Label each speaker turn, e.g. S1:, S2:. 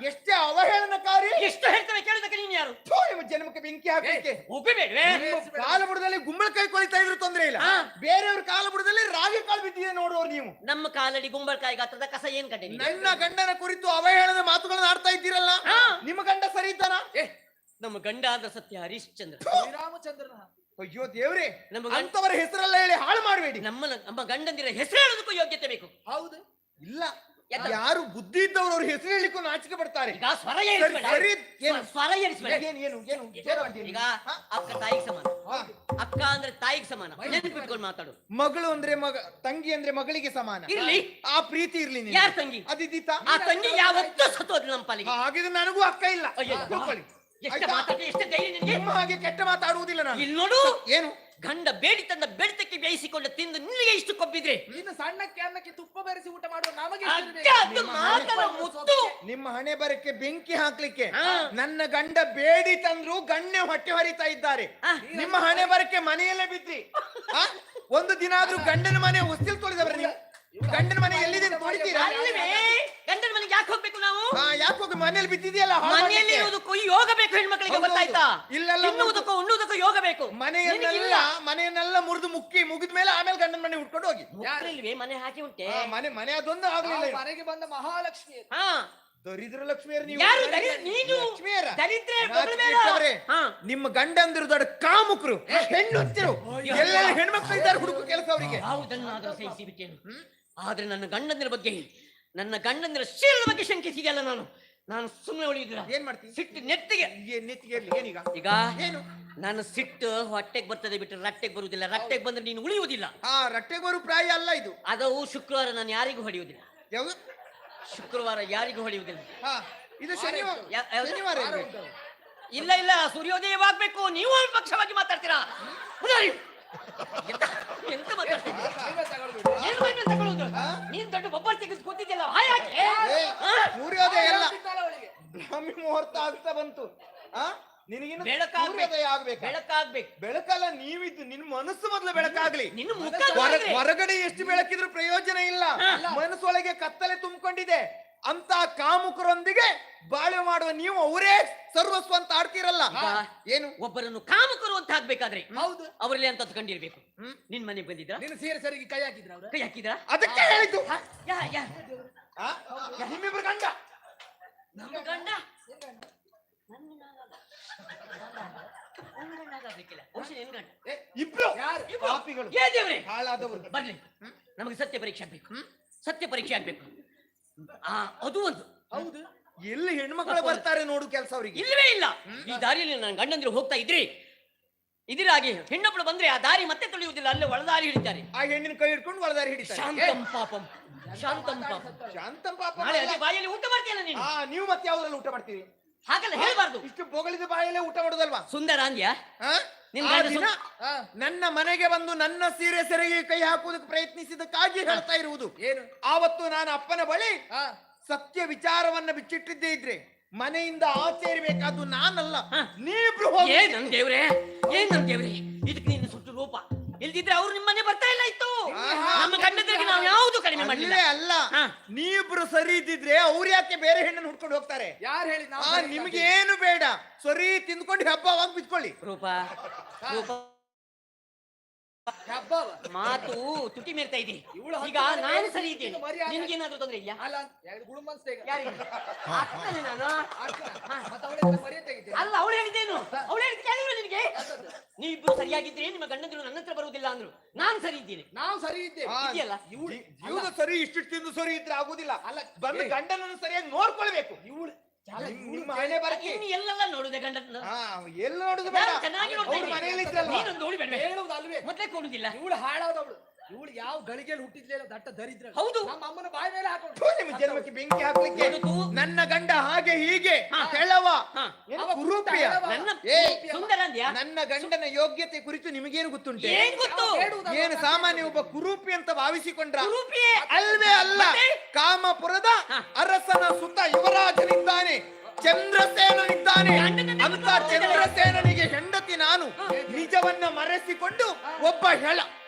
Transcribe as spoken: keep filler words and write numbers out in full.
S1: ಎಷ್ಟೇ ಅವಹೇಳನಕಾರಿ.
S2: ಎಷ್ಟು ಹೇಳ್ತೇವೆ ಕೇಳೋದಕ್ಕೆ ನೀನು ಯಾರು?
S1: ಥು, ನಿಮ್ಮ ಜನ್ಮಕ್ಕೆ ಬೆಂಕಿ ಹಾಕಲಿಕ್ಕೆ.
S2: ಒಪ್ಪಿಬೇಡ್ವೆ?
S1: ಕಾಲ ಬುಡದಲ್ಲಿ ಗುಂಬಳಕಾಯಿ ಕೊಳಿತಾ ಇದ್ರು ತೊಂದ್ರೆ ಇಲ್ಲ, ಬೇರೆಯವ್ರ ಕಾಲ ಬುಡದಲ್ಲಿ ರಾಗಿ ಕಾಳು ಬಿದ್ದಿದೆ ನೋಡುವವ್ರು ನೀವು.
S2: ನಮ್ಮ ಕಾಲಡಿ ಗುಂಬಳಕಾಯಿ ಗಾತ್ರದ ಕಸ ಏನ್ ಕಂಡೆ?
S1: ನನ್ನ ಗಂಡನ ಕುರಿತು ಅವಹೇಳನ ಮಾತುಗಳನ್ನ ಆಡ್ತಾ ಇದ್ದೀರಲ್ಲ, ನಿಮ್ಮ ಗಂಡ ಸರಿ ಇದ್ದಾನ?
S2: ನಮ್ಮ ಗಂಡ ಆದ ಸತ್ಯ ಹರಿಶ್ಚಂದ್ರ,
S3: ಶ್ರೀರಾಮಚಂದ್ರನ.
S1: ಅಯ್ಯೋ ದೇವ್ರೆ,
S2: ನಮ್ಮ
S1: ಅಂತವರ ಹೆಸರೆಲ್ಲ ಹೇಳಿ ಹಾಳು ಮಾಡಬೇಡಿ.
S2: ನಮ್ಮ ನಮ್ಮ ಗಂಡಂದಿರ ಹೆಸರು ಹೇಳೋದಕ್ಕೂ ಯೋಗ್ಯತೆ ಬೇಕು.
S3: ಹೌದು,
S1: ಇಲ್ಲ ಯಾರು ಬುದ್ಧಿ ಇದ್ದವರು ಅವ್ರ ಹೆಸರು ಹೇಳಿಕ್ಕೂ ನಾಚಿಕೆ ಪಡ್ತಾರೆ.
S2: ಈಗ ಸ್ವರ ಏರಿಸ್ಬೇಡ,
S1: ಸರಿ, ಏನು?
S2: ಸ್ವರ ಏರಿಸ್ಬೇಡ.
S1: ಏನು ಏನು ಏನು ಜೋರು ಮಾಡ್ತೀನಿ.
S2: ಈಗ ಅಕ್ಕ ತಾಯಿಗೆ ಸಮಾನ, ಅಕ್ಕ ಅಂದ್ರೆ ತಾಯಿಗೆ ಸಮಾನ, ನೆನಪಿಟ್ಕೊಂಡು ಮಾತಾಡು.
S1: ಮಗಳು ಅಂದ್ರೆ ಮಗ, ತಂಗಿ ಅಂದ್ರೆ ಮಗಳಿಗೆ ಸಮಾನ.
S2: ಇರ್ಲಿ,
S1: ಆ ಪ್ರೀತಿ ಇರ್ಲಿ.
S2: ಯಾರ ತಂಗಿ?
S1: ಅದಿದ್ದೀತಾ?
S2: ಆ ತಂಗಿ ಯಾವತ್ತೂ ಸತ್ತೋದ್ರು ನಮ್ಮ ಪಾಲಿಗೆ.
S1: ಹಾಗಿದ್ರೆ ನನಗೂ ಅಕ್ಕ ಇಲ್ಲ. ಕೂತ್ಕೊಳ್ಳಿ.
S2: ಎಷ್ಟು ಮಾತಾಡಿ, ಎಷ್ಟು ಧೈರ್ಯ ನಿನಗೆ?
S1: ನಿಮ್ಮ ಹಾಗೆ ಕೆಟ್ಟ ಮಾತಾಡುವುದಿಲ್ಲ ನಾನು.
S2: ಇಲ್ಲಿ ನೋಡು,
S1: ಏನು
S2: ಗಂಡ ಬೇಡಿ ತಂದ ಬೆಳ್ತಕ್ಕೆ ಬೇಯಿಸಿಕೊಂಡು ತಿಂದು ನಿನಗೆ ಇಷ್ಟು ಕೊಬ್ಬಿದ್ರೆ
S3: ನೀನು ಸಣ್ಣಕ್ಕೆ ಅನ್ನಕ್ಕೆ ತುಪ್ಪ ಬೆರೆಸಿ ಊಟ ಮಾಡುವ ನಮಗೆ
S2: ಅಕ್ಕ ಅದು ಮಾತನ ಮುತ್ತು.
S1: ನಿಮ್ಮ ಹಣೆ ಬರಕ್ಕೆ ಬೆಂಕಿ ಹಾಕ್ಲಿಕ್ಕೆ ನನ್ನ ಗಂಡ ಬೇಡಿ ತಂದ್ರು ಗಣ್ಯ ಹೊಟ್ಟೆ ಹರಿತಾ ಇದ್ದಾರೆ. ನಿಮ್ಮ ಹಣೆ ಬರಕ್ಕೆ ಮನೆಯಲ್ಲೇ ಬಿದ್ರಿ. ಆ? ಒಂದು ದಿನ ಆದ್ರೂ ಗಂಡನ ಮನೆ ಹೊಸ್ತಿಲ್ ತೊಳೆದವ್ರ ನೀವು? ಗಂಡನ ಮನೆ ಎಲ್ಲಿದೆ ತೊಳಿತೀರಾ?
S2: ಅಲ್ವೇ, ಗಂಡನ ಮನೆಗೆ ಯಾಕೆ ಹೋಗ್ಬೇಕು ನಾವು?
S1: ಯಾಕೆ ಹೋಗಿ ಮನೇಲಿ ಬಿದ್ದಿದೆಯಲ್ಲ?
S2: ಮನೆಯಲ್ಲಿ ಇರುವುದಕ್ಕೂ ಯೋಗ ಬೇಕು ಹೆಣ್ಮಕ್ಳಿಗೆ, ಗೊತ್ತಾಯ್ತಾ?
S1: ಇಲ್ಲೆಲ್ಲ
S2: ತಿನ್ನುವುದಕ್ಕೂ ಉಣ್ಣುವುದಕ್ಕೂ ಯೋಗ ಬೇಕು.
S1: ಮನೆಯನ್ನೆಲ್ಲ ಮನೆಯನ್ನೆಲ್ಲ ಮುರಿದು ಮುಕ್ಕಿ ಮುಗಿದ ಮೇಲೆ ಆಮೇಲೆ ಗಂಡನ ಮನೆ ಉಟ್ಕೊಂಡು ಹೋಗಿ.
S2: ಯಾರಿಲ್ವೇ ಮನೆ ಹಾಕಿ ಉಂಟೆ?
S1: ಆ, ಮನೆ ಮನೆ ಅದೊಂದು ಆಗ್ಲಿಲ್ಲ.
S3: ಮನೆಗೆ ಬಂದ ಮಹಾಲಕ್ಷ್ಮಿ.
S2: ಹಾ,
S1: ದರಿದ್ರ ಲಕ್ಷ್ಮಿಯರ್ ನೀವು.
S2: ಯಾರು ದರಿ- ನೀನು
S1: ಲಕ್ಷ್ಮಿಯರ
S2: ದರಿದ್ರೆ
S1: ನಾಚಿಕೆಟ್ಟವರೇ.
S2: ಹಾ.
S1: ನಿಮ್ಮ ಗಂಡಂದಿರು ದೊಡ್ಡ ಕಾಮುಕರು, ಹೆಣ್ಣುತ್ತಿರು, ಎಲ್ಲೆಲ್ಲ ಹೆಣ್ಮಕ್ಳು ಇದ್ದಾರೆ, ಹುಡುಕು ಕೆಲಸ ಅವರಿಗೆ.
S2: ಯಾವುದನ್ನಾದ್ರೂ ಸಹಿಸಿ ಬಿಟ್ಟೇನು. ಆದ್ರೆ ನನ್ನ ಗಂಡಂದಿರ ಬಗ್ಗೆ, ನನ್ನ ಗಂಡಂದಿರ ಶೀಲದ ಬಗ್ಗೆ ಶಂಕಿಸಿದೆಯಲ್ಲ, ನಾನು ನಾನು ಸುಮ್ಮನೆ ಉಳಿಯುದಿಲ್ಲ.
S1: ಏನ್ ಮಾಡ್ತೀನಿ?
S2: ಸಿಟ್ಟು ನೆತ್ತಿಗೆ
S1: ಏನ್ ನೆತ್ತಿಗೆ ಇರ್ಲಿ, ಏನೀಗ?
S2: ಈಗ
S1: ಏನು?
S2: ನಾನು ಸಿಟ್ಟು ಹೊಟ್ಟೆಗೆ ಬರ್ತದೆ ಬಿಟ್ಟರೆ ರಟ್ಟೆಗೆ ಬರುವುದಿಲ್ಲ. ರಟ್ಟೆಗೆ ಬಂದ್ರೆ ನೀನು ಉಳಿಯುವುದಿಲ್ಲ.
S1: ಆ ರಟ್ಟೆಗೆ ಬರು ಪ್ರಾಯ ಅಲ್ಲ ಇದು.
S2: ಅದವು ಶುಕ್ರವಾರ ನಾನು ಯಾರಿಗೂ ಹೊಡೆಯುವುದಿಲ್ಲ.
S1: ಯಾವುದು?
S2: ಶುಕ್ರವಾರ ಯಾರಿಗೂ ಹೊಡೆಯುವುದಿಲ್ಲ.
S1: ಹಾ, ಇದು ಶನಿವಾರ.
S2: ಯಾ- ಯಾವ್ದು?
S1: ಶನಿವಾರ ಇರ್ಬೇಕು.
S2: ಇಲ್ಲ ಇಲ್ಲ, ಸೂರ್ಯೋದಯವಾಗ್ಬೇಕು. ನೀವು ಒಂದು ಪಕ್ಷವಾಗಿ ಮಾತಾಡ್ತೀರಾ? ಉದಾರಿ. ಎಂತ ಎಂತ ಮಾತಾಡ್ತೀರಿ? ಏನು ಮೈಮೇಲ್ ತಗೊಳ್ಳೋದು? ನೀನ್ ದೊಡ್ಡ ಬೊಬ್ಬರ್ ತೆಗೆದು ಕೂತಿದ್ಯಲ್ಲ, ಹಾಯ್ ಹಾಕಿ.
S1: ಏ, ಸೂರ್ಯೋದಯ ಎಲ್ಲ
S3: ಅವಳಿಗೆ
S1: ಬ್ರಾಹ್ಮಿ ಮುಹೂರ್ತ ಆಗ್ತಾ ಬಂತು. ಆ ನಿನಗಿನ್ನು
S2: ಬೆಳಕಾಗ್ಬೇಕು.
S1: ಸೂರ್ಯೋದಯ ಆಗ್ಬೇಕು.
S2: ಬೆಳಕಾಗ್ಬೇಕು.
S1: ಬೆಳಕಲ್ಲ, ನೀವಿದ್ದು ನಿನ್ನ ಮನಸ್ಸು ಮೊದಲು ಬೆಳಕಾಗ್ಲಿ.
S2: ನಿನ್ನ ಮುಖ
S1: ಹೊರ-
S2: ನೋಡಿದ್ರೆ
S1: ಹೊರಗಡೆ ಎಷ್ಟು ಬೆಳಕಿದ್ರು ಪ್ರಯೋಜನ ಇಲ್ಲ. ಮನಸ್ಸೊಳಗೆ ಕತ್ತಲೆ ತುಂಬಿಕೊಂಡಿದೆ. ಅಂತ ಕಾಮುಕರೊಂದಿಗೆ ಬಾಳ್ವೆ ಮಾಡುವ ನೀವು ಅವರೇ ಸರ್ವಸ್ವ ಅಂತ ಆಡ್ತೀರಲ್ಲ. ಏನು?
S2: ಒಬ್ಬರನ್ನು ಕಾಮಕರು ಅಂತ ಹಾಕ್ಬೇಕಾದ್ರೆ
S3: ಹೌದು,
S2: ಅವರಲ್ಲಿ ಅಂತ ಕಂಡಿರ್ಬೇಕು. ನಿನ್ ಮನೆಗೆ ಬಂದಿದ್ರ?
S3: ನೀನು ಸೀರೆ ಸರಿಗೆ ಕೈ ಹಾಕಿದ್ರ ಅವ್ರ?
S2: ಕೈ ಹಾಕಿದ್ರ?
S1: ಅದಕ್ಕೆ ಹೇಳಿದ್ದು.
S2: ಯಾ ಯಾ
S1: ಆ? ನಿಮ್ಮಿಬ್ರು ಗಂಡ.
S2: ನಮ್ಮ ಗಂಡ ನನ್ನ ನಾಗಲ್ಲ. ನನ್ನ ಗಂಡ ಆಗ್ಬೇಕಿಲ್ಲ. ಬಹುಶಃ ನಿನ್ ಗಂಡ.
S1: ಏ, ಇಬ್ರು
S3: ಯಾರು?
S1: ಪಾಪಿಗಳು,
S2: ಏ ದೇವ್ರೆ,
S1: ಹಾಳಾದವರು.
S2: ಬರ್ಲಿ. ನಮಗೆ ಸತ್ಯ ಪರೀಕ್ಷೆ ಆಗ್ಬೇಕು. ಸತ್ಯ ಪರೀಕ್ಷೆ ಆಗ್ಬೇಕು. ಆ ಅದು ಒಂದು.
S3: ಹೌದು,
S1: ಎಲ್ಲಿ ಹೆಣ್ಮಕ್ಳು ಬರ್ತಾರೆ ನೋಡು ಕೆಲಸ ಅವರಿಗೆ.
S2: ಇಲ್ಲವೇ ಇಲ್ಲ. ಈ ದಾರಿಯಲ್ಲಿ ನನ್ನ ಗಂಡಂದಿರು ಹೋಗ್ತಾ ಇದ್ರಿ ಇದಿರಾಗಿ ಹೆಣ್ಣೊಬ್ಬಳು ಬಂದ್ರೆ ಆ ದಾರಿ ಮತ್ತೆ ತುಳಿಯುವುದಿಲ್ಲ, ಅಲ್ಲೇ ಒಳದಾರಿ ಹಿಡಿತಾರೆ.
S1: ಆ ಹೆಣ್ಣಿನ ಕೈ ಹಿಡ್ಕೊಂಡು ಒಳದಾರಿ ಹಿಡಿತಾರೆ.
S2: ಶಾಂತಂ ಪಾಪಂ, ಶಾಂತಂ ಪಾಪಂ.
S1: ಶಾಂತಂ ಪಾಪ.
S2: ನಾಳೆ ಅದೇ ಬಾಯಲ್ಲಿ ಊಟ ಮಾಡ್ತೀಯಲ್ಲ ನೀನು.
S1: ಆ ನೀವು ಮತ್ತೆ ಯಾವ್ದ್ರಲ್ಲಿ ಊಟ ಮಾಡ್ತೀರಿ?
S2: ಹಾಗಲ್ಲ ಹೇಳ್ಬಾರ್ದು.
S1: ಇಷ್ಟು ಬೊಗಳಿದ ಬಾಯಲ್ಲೇ ಊಟ ಮಾಡುದಲ್ವಾ?
S2: ಸುಂದರ ಅಂದ್ಯ
S1: ಆ?
S2: ನಿಮ್
S1: ಆ
S2: ಗಂಡ
S1: ದಿನ
S3: ಹಾ.
S1: ನನ್ನ ಮನೆಗೆ ಬಂದು ನನ್ನ ಸೀರೆ ಸೆರೆಗೆ ಕೈ ಹಾಕುವುದಕ್ಕೆ ಪ್ರಯತ್ನಿಸಿದಕ್ಕಾಗಿ ಹೇಳ್ತಾ ಇರುವುದು.
S3: ಏನು?
S1: ಆವತ್ತು ನಾನು ಅಪ್ಪನ ಬಳಿ
S3: ಹಾ,
S1: ಸತ್ಯ ವಿಚಾರವನ್ನ ಬಿಚ್ಚಿಟ್ಟಿದ್ದೇ ಇದ್ರೆ ಮನೆಯಿಂದ ಆಚೆ ಇರಬೇಕಾದ್ದು ನಾನಲ್ಲ,
S2: ಹಾ.
S1: ನೀವಿಬ್ರು ಹೋಗಿ.
S2: ಏನ್ ನನ್ ದೇವ್ರೆ, ಏನ್ ನನ್ ದೇವ್ರೆ, ಇದಕ್ಕೆ ನಿನ್ನ ಸುಟ್ಟು ರೂಪ. ಇಲ್ದಿದ್ರೆ ಅವ್ರು ನಿಮ್ಮ ಮನೆ ಬರ್ತಾ ಇಲ್ಲ ಇತ್ತು.
S1: ಆಹಾ.
S2: ನಮ್ಮ ಗಂಡಂದಿರಿಗೆ ನಾವು ಯಾವುದು ಕಡಿಮೆ ಮಾಡಲಿಲ್ಲ.
S1: ಅಲ್ಲೇ ಅಲ್ಲ,
S2: ಹಾ.
S1: ನೀವಿಬ್ರು ಸರಿ ಇದ್ದಿದ್ರೆ ಅವ್ರು ಯಾಕೆ ಬೇರೆ ಹೆಣ್ಣನ್ನು ಹುಡ್ಕೊಂಡು ಹೋಗ್ತಾರೆ?
S3: ಯಾರು ಹೇಳಿ? ನಾವು
S1: ಆ, ನಿಮ್ಗೆ ಏನು ಬೇಡ, ಸರಿ ತಿಂದ್ಕೊಂಡು ಹಬ್ಬವಾಗಿ ಬಿತ್ಕೊಳ್ಳಿ.
S2: ರೂಪ ರೂಪ
S3: ಹಬ್ಬವ
S2: ಮಾತು ತುಟಿ ಮೇಲ್ತಾ ಇದೆ.
S3: ಇವಳು
S2: ಈಗ ನಾನು ಸರಿ ಇದ್ದೇನೆ,
S3: ಮರ್ಯಾದೆ.
S2: ನಿನ್ಗೇನಾದ್ರೂ ತೊಂದ್ರೆ ಇದೆಯಾ?
S3: ಅಲ್ಲ, ಎರಡು ಗುಳುಮನ್ಸ್ತೇಗ
S2: ಯಾರಿಗೆ? ಅಕ್ಕನೇ ನಾನು.
S3: ಮತ್ತೆ ಅವಳಿಗೆ ಮರ್ಯಾದೆ ತೆಗಿತೀನಿ.
S2: ಅಲ್ಲ, ಅವಳು ಹೇಳಿದ್ದೇನು? ಅವಳು ಹೇಳಿದ ಕೇಳಿದ್ರು ನಿನಗೆ? ನೀವಿಬ್ರು ಸರಿಯಾಗಿದ್ರೆ ನಿಮ್ಮ ಗಂಡಂದಿರು ನನ್ನ ಹತ್ರ ಬರುವುದಿಲ್ಲ ಅಂದ್ರು. ನಾನು ಸರಿ ಇದ್ದೀನಿ.
S3: ನಾವು ಸರಿ ಇದ್ದೇವೆ.
S1: ಆ,
S2: ಇದೆಯಲ್ಲ
S3: ಇವಳು
S1: ಜೀವನ ಸರಿ ಇಷ್ಟು ತಿಂದು ಸರಿ ಇದ್ರೆ ಆಗುದಿಲ್ಲ.
S3: ಅಲ್ಲ,
S1: ಬಂದು
S3: ಏ.
S1: ಗಂಡನನ್ನು ಸರಿಯಾಗಿ ನೋಡ್ಕೊಳ್ಬೇಕು.
S3: ಇವಳು
S1: ನಿಮ್- ನಿಮ್ಮ ಹಣೆ ಬರಕ್ಕೆ
S2: ಇನ್ನು ಎಲ್ಲೆಲ್ಲ ನೋಡುದೆ ಗಂಡನ.
S1: ಹಾ, ಎಲ್ಲಿ ನೋಡುದು ಬೇಡ.
S2: ನಾನು ಚೆನ್ನಾಗಿ ನೋಡ್ತಾ
S1: ಅವ್ರು
S2: ಇದ್ದೀನಿ.
S1: ಮನೆಯಲ್ಲಿ ಇದ್ರಲ್ವಾ?
S2: ನೀನೊಂದು ನೋಡಿ ಬೇಡ.
S3: ಹೇಳುವುದು ಅಲ್ವೇ?
S2: ಮೊದ್ಲೇ ಕೊಡುದಿಲ್ಲ.
S3: ಇವಳು ಹಾಳಾದವಳು. ಇವಳು ಯಾವ ಗಳಿಗೆಯಲ್ಲಿ ಹುಟ್ಟಿದ್ಲೇನೋ ದಟ್ಟ ದರಿದ್ರ.
S2: ಹೌದು.
S3: ನಮ್ಮ ಅಮ್ಮನ ಬಾಯಿ ಮೇಲೆ ಹಾಕೊಂಡು
S1: ಥು, ನಿಮ್ಮ ಜನ್ಮಕ್ಕೆ ಬೆಂಕಿ ಹಾಕ್ಲಿಕ್ಕೆ.
S2: ಬದುಕು.
S1: ನನ್ನ ಗಂಡ ಹಾಗೆ ಹೀಗೆ
S2: ಹಾ.
S1: ಕೆಳವ
S2: ಹಾ.
S1: ಏನು
S3: ಅವ
S1: ಕುರೂಪಿಯ?
S3: ಪುಟ್ಟ
S2: ನನ್ನ
S1: ಏ,
S2: ಸುಂದರ ಅಂದ್ಯಾ?
S1: ನನ್ನ ಗಂಡನ ಯೋಗ್ಯತೆ ಕುರಿತು ನಿಮಗೇನು ಗೊತ್ತುಂಟೆ?
S2: ಏನ್ ಗೊತ್ತು?
S3: ಹೇಳುವುದಲ್ಲ.
S1: ಏನು ಸಾಮಾನ್ಯ ಒಬ್ಬ ಕುರೂಪಿ ಅಂತ ಭಾವಿಸಿಕೊಂಡ್ರ?
S2: ಕುರೂಪಿಯೇ.
S1: ಅಲ್ವೇ ಅಲ್ಲ,
S2: ಮತ್ತೆ?
S1: ಕಾಮಪುರದ
S2: ಹಾ.
S1: ಅರಸನ ಸುತ ಯುವರಾಜನಿದ್ದಾನೆ, ಚಂದ್ರಸೇನನಿದ್ದಾನೆ.
S2: ಗಂಡನನ್ನೇ
S1: ಅಂತ
S2: ಗೊತ್ತು.
S1: ಚಂದ್ರಸೇನನಿಗೆ ಹೆಂಡತಿ ನಾನು. ನಿಜವನ್ನ ಮರೆಸಿಕೊಂಡು ಒಬ್ಬ ಹೆಳ